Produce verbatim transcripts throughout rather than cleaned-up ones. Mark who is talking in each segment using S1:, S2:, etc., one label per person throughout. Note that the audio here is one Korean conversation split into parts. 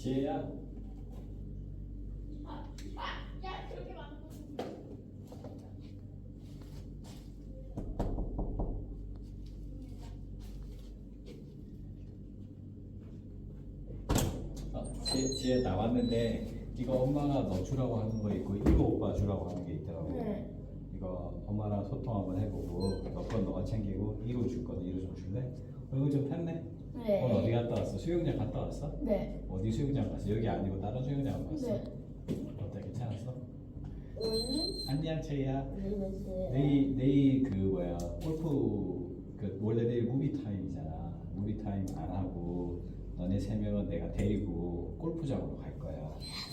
S1: 지혜야.
S2: 아, 아, 야, 그렇게 많은 거.
S1: 어, 지혜, 지혜 나왔는데 이거 엄마가 너 주라고 하는 거 있고 이거 오빠 주라고 하는 게 있더라고.
S2: 네.
S1: 이거 엄마랑 소통 한번 해보고 몇 번 너가 챙기고 이로 줄 거는 이로 좀 줄래? 얼굴 좀 탔네.
S2: 네.
S1: 오늘 어디 갔다 왔어? 수영장 갔다 왔어?
S2: 네.
S1: 어디 수영장 갔어? 여기 아니고 다른 수영장 갔어?
S2: 네.
S1: 어때? 괜찮았어?
S2: 오늘
S1: 안녕 채희야.
S2: 모르겠어요.
S1: 내일 내일 그 뭐야 골프 그 원래 내일 무비 타임이잖아. 무비 타임 안 하고 너네 세 명은 내가 데리고 골프장으로 갈 거야.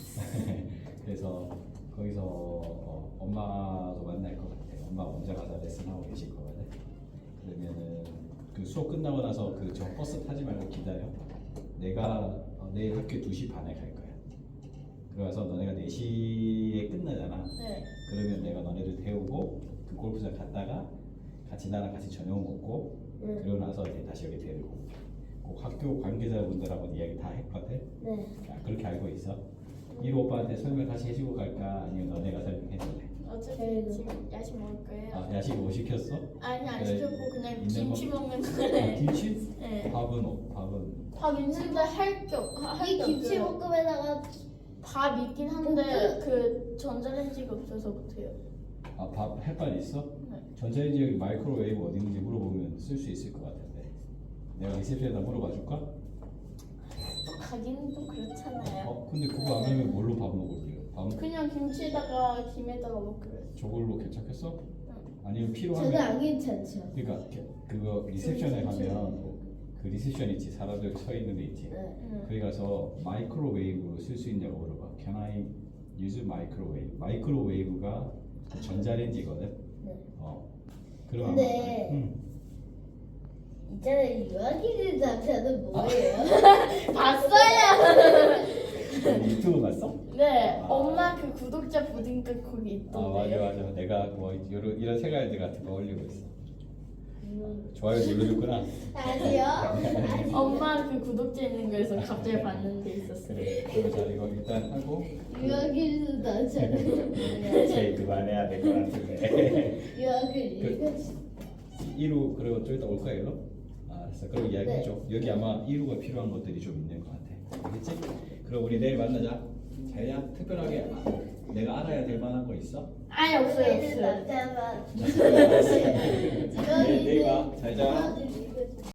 S1: 그래서 거기서 어, 엄마도 만날 것 같아. 엄마 먼저 가서 레슨 하고 계실 거거든. 그러면은 그 수업 끝나고 나서 그 저 버스 타지 말고 기다려. 내가 어, 내일 학교 두 시 반에 갈 거야. 그래서 너네가 네 시에 끝나잖아.
S2: 네.
S1: 그러면 내가 너네들 태우고 그 골프장 갔다가 같이 나랑 같이 저녁 먹고
S2: 네.
S1: 그러고 나서 이제 다시 여기 데리고 올게. 꼭 학교 관계자분들하고 이야기 다 했거든.
S2: 네.
S1: 야, 그렇게 알고 있어? 이로 오빠한테 설명 다시 해주고 갈까? 아니면 너네가 설명해줄래?
S2: 어차피 지금 야식 먹을 거예요.
S1: 아, 야식 뭐 시켰어?
S2: 아니 안
S1: 그래,
S2: 시켰고 그냥
S1: 있는
S2: 김치
S1: 거?
S2: 먹는
S1: 아,
S2: 거래.
S1: 김치?
S2: 네.
S1: 밥은 어, 밥은
S2: 밥 있는데 할게할게
S3: 이 김치볶음에다가
S2: 밥 있긴 한데 그 전자레인지가 없어서 못해요.
S1: 아, 밥 햇반 있어?
S2: 네.
S1: 전자레인지 여기 마이크로웨이브 어디 있는지 물어보면 쓸 수 있을 것 같은데 내가 리셉션에다 물어봐 줄까?
S2: 또 가기는 좀 그렇잖아요.
S1: 어? 근데 그거 안 하면 뭘로 밥 먹을게요? 밥
S2: 그냥 김치에다가 김에다가 먹기로 했어.
S1: 저걸로 괜찮겠어? 아니면
S3: 저는
S1: 필요하면
S3: 안 괜찮죠.
S1: 그러니까 게- 그거 리셉션에 가면 그 리셉션 있지 사람들 서 있는 데 있지
S3: 네.
S2: 응.
S1: 거기 가서 마이크로웨이브로 쓸 수 있냐고 물어봐. Can I use microwave? 마이크로웨이브가 그 전자레인지거든.
S3: 네.
S1: 어. 그러면
S3: 근데-
S1: 아마- 응.
S3: 있잖아요. 유아기는 남자는 뭐예요?
S2: 봤어요.
S1: 유튜브 봤어?
S2: 네.
S1: 아.
S2: 엄마 그 구독자 보니까 거기
S1: 아 맞아
S2: 있던데요.
S1: 맞아. 내가 뭐 이런 이런 생활들 같은 거 올리고 있어.
S3: 음.
S1: 좋아요 눌러줬구나.
S3: 아니요. 아니요.
S2: 엄마 그 구독자 있는 거에서 갑자기 봤는데 있었어요.
S1: 그래. 그럼 자 이거 일단 하고.
S3: 유아기는 남자는
S1: 제 그만해야 될 것 같은데.
S3: 유아기는
S1: 이루 그리고 좀 이따 올 거야 일로? 아, 알았어. 그럼 이야기해줘. 여기 아마 이루가 필요한 것들이 좀 있는 것 같아. 알겠지? 그럼 우리 내일 만나자. 자야 특별하게 내가 알아야 될 만한 거 있어?
S2: 아니 없어요
S3: 유아기는
S2: 없어요.
S3: 남자만
S1: 내일 봐. 잘 자.
S3: 유아기는